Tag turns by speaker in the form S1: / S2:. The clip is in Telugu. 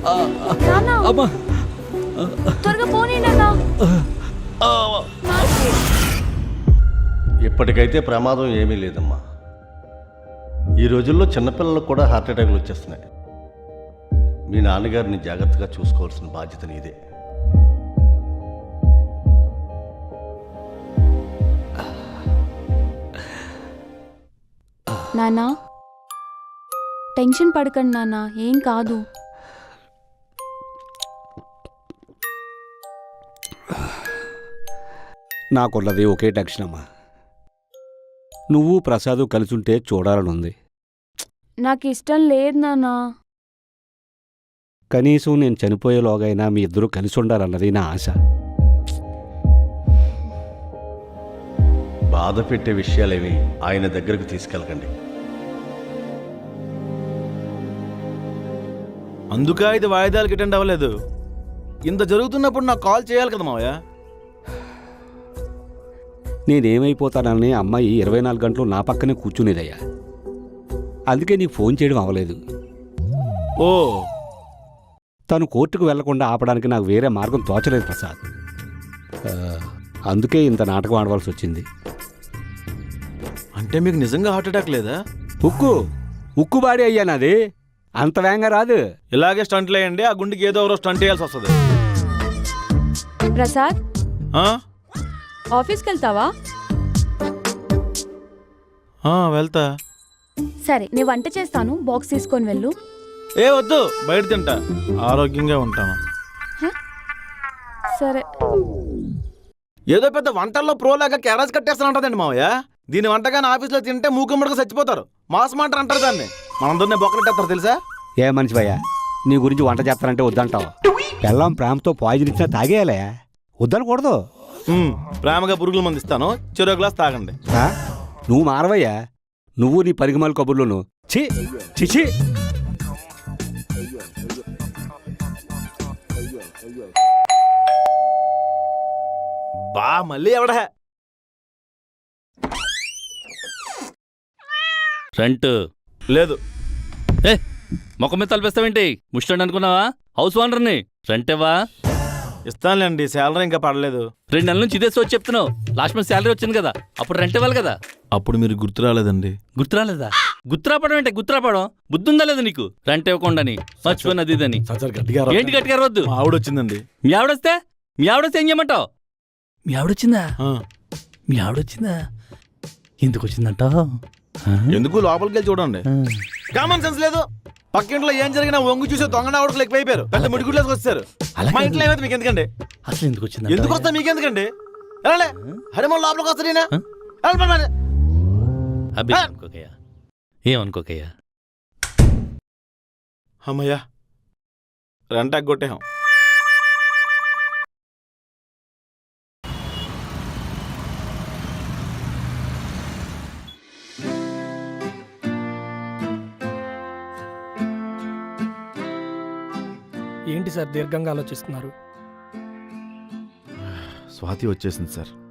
S1: నాన్న
S2: అమ్మా
S1: త్వరగా పోనీ నాన్న.
S3: ఇప్పటికైతే ప్రమాదం ఏమీ లేదమ్మా. ఈ రోజుల్లో చిన్నపిల్లలకు కూడా హార్ట్ అటాక్లు వచ్చేస్తున్నాయి. మీ నాన్నగారిని జాగ్రత్తగా చూసుకోవాల్సిన బాధ్యత నీదే.
S1: నాన్న టెన్షన్ పడకండి నాన్న, ఏం కాదు.
S2: నాకున్నది ఒకే టెన్షన్ అమ్మా. నువ్వు ప్రసాదు కలిసుంటే చూడాలనుంది.
S1: నాకు ఇష్టం లేదు నాన్న.
S2: కనీసం నేను చనిపోయేలోగైనా మీ ఇద్దరూ కలిసి ఉండాలన్నది నా ఆశ.
S3: బాధ పెట్టే విషయాలేవి ఆయన దగ్గరకు తీసుకెళ్ళకండి.
S4: అందుక ఇది వాయిదాలకు అటెండ్ అవ్వలేదు. ఇంత జరుగుతున్నప్పుడు నాకు కాల్ చేయాలి కదా మావయ్య.
S2: నేనేమైపోతానని అమ్మాయి 24 గంటలు నా పక్కనే కూర్చునేదయ్యా. అందుకే నీకు ఫోన్ చేయడం అవ్వలేదు.
S4: ఓ,
S2: తను కోర్టుకు వెళ్లకుండా ఆపడానికి నాకు వేరే మార్గం తోచలేదు ప్రసాద్. అందుకే ఇంత నాటకం ఆడవలసి వచ్చింది.
S4: అంటే మీకు నిజంగా హార్ట్ అటాక్ లేదా?
S2: ఉక్కుబాడి అయ్యా నాది, అంత వేగంగా రాదు.
S4: ఇలాగే స్టంట్లు వేయండి, ఆ గుండెకి ఏదో ఒకరోజు స్టంట్ వేయాల్సి వస్తుంది.
S1: ప్రసాద్
S4: ఆ?
S1: ఆఫీస్కి వెళ్తావా?
S4: వెళ్తా.
S1: సరే నేను వంట చేస్తాను, బాక్స్ తీసుకొని వెళ్ళు.
S4: ఏ వద్దు, బయట తింటా, ఆరోగ్యంగా ఉంటాను.
S1: సరే.
S4: ఏదో పెద్ద వంటల్లో ప్రోలాగా క్యారేజ్ కట్టేస్తానంటదండి మావయ్య. దీని వంటగానే ఆఫీస్లో తింటే మూకమ్మడిగా చచ్చిపోతారు. మాసమంటారు అంటారు దాన్ని. మనందరినీ బొక్కలెట్టేస్తారు తెలుసా?
S2: ఏ మనిషి భయ్యా, నీ గురించి వంట చేస్తానంటే వద్దంటావు. పెళ్ళాం ప్రేమతో పాయిజన్ ఇచ్చినా తాగేయాలే, వద్దనకూడదు.
S4: ప్రేమగా పురుగుల మంది ఇస్తాను, చెరో గ్లాస్ తాగండి.
S2: నువ్వు మారవయ్యా, నువ్వు నీ పరిగమాల కబుర్లోను. ఛీ చిచి.
S4: బా మళ్ళీ ఎవడా?
S5: రెంట్
S4: లేదు.
S5: ఏ మొక్క మీద తలపిస్తావేంటి? ముష్టండి అనుకున్నావా? హౌస్ ఓనర్ని. రెంట్ ఇవ్వా?
S4: ఇస్తానులేండి, శాలరీ ఇంకా పడలేదు.
S5: 2 నెలల నుంచి ఇదే వచ్చి చెప్తున్నావు. లాస్ట్ మంత్ శాలరీ వచ్చింది కదా, అప్పుడు రెంట్ ఇవ్వాలి కదా.
S4: అప్పుడు మీరు గుర్తు రాలేదండి.
S5: గుర్తురాలేదా? గుర్తురాపడం ఏంటి? గుర్తురాపడం బుద్ధి ఉందా లేదా నీకు? రెంట్ ఇవ్వకుండాని మర్చిపోయినది ఇదని. ఏంటి గట్టిగా వద్దు.
S4: ఆవిడ వచ్చిందండి.
S5: మీ ఆవిడొస్తే ఏం చేయమంటావు? మీ ఆవిడొచ్చిందా? మీ ఆవిడొచ్చిందా? ఎందుకు వచ్చిందంటావు?
S4: ఎందుకు లోపలికి వెళ్ళి చూడండి. కామన్ సెన్స్ లేదు. పక్కింట్లో ఏం జరిగినా వంగు చూసే దొంగ ఆవిడకు ఎక్కువైపోయారు. పెద్ద ముడిగుడ్లోకి వచ్చారు. మా ఇంట్లో ఏమైతే మీకు ఎందుకండి?
S5: అసలు ఎందుకు వచ్చింది?
S4: ఎందుకు వస్తా మీకెందుకండి? వెళ్ళండి. హరిమోహన్ లోపలికి వస్తాడు.
S5: అనుకోకయ్యా, ఏమనుకోకయ్యా.
S4: అమ్మయ్యా, రెంటాకు కొట్టేహం.
S6: ఏంటి సార్ దీర్ఘంగా ఆలోచిస్తున్నారు?
S4: స్వాతి వచ్చేసింది సార్.